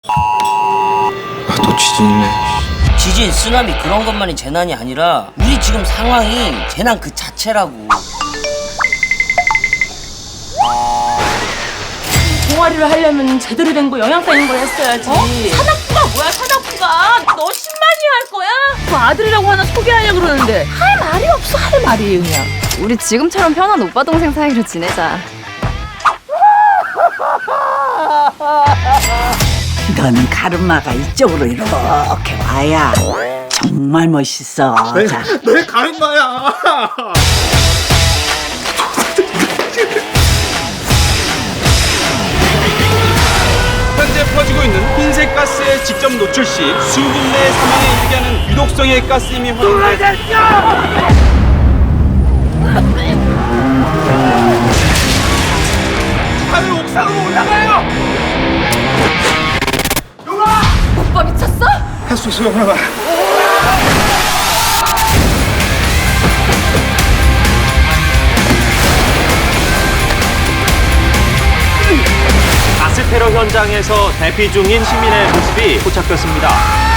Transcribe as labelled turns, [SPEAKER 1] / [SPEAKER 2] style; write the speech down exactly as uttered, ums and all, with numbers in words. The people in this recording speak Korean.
[SPEAKER 1] 아, 또 지진이네.
[SPEAKER 2] 지진, 쓰나미 그런 것만이 재난이 아니라 우리 지금 상황이 재난 그 자체라고.
[SPEAKER 3] 동아리를 하려면 제대로 된 거 영양가 있는 걸 했어야지. 어? 사납부가 뭐야 사납부가? 너 십만이 할 거야? 그 아들이라고 하나 소개하려고 그러는데 할 말이 없어 할 말이 그냥.
[SPEAKER 4] 우리 지금처럼 편한 오빠 동생 사이로 지내자.
[SPEAKER 5] 너는 가르마가 이쪽으로 이렇게 와야 정말 멋있어. 자,
[SPEAKER 1] 내 가르마야. 현재 퍼지고 있는 흰색 가스에 직접 노출 시 수분 내 사망에 이르게 하는 유독성의 가스임이 확인돼. 하늘 옥상으로 올라가요.
[SPEAKER 4] 오빠 미쳤어?
[SPEAKER 1] 할 수 있어요, 형아.
[SPEAKER 6] 가스 테러 현장에서 대피 중인 시민의 모습이 포착됐습니다.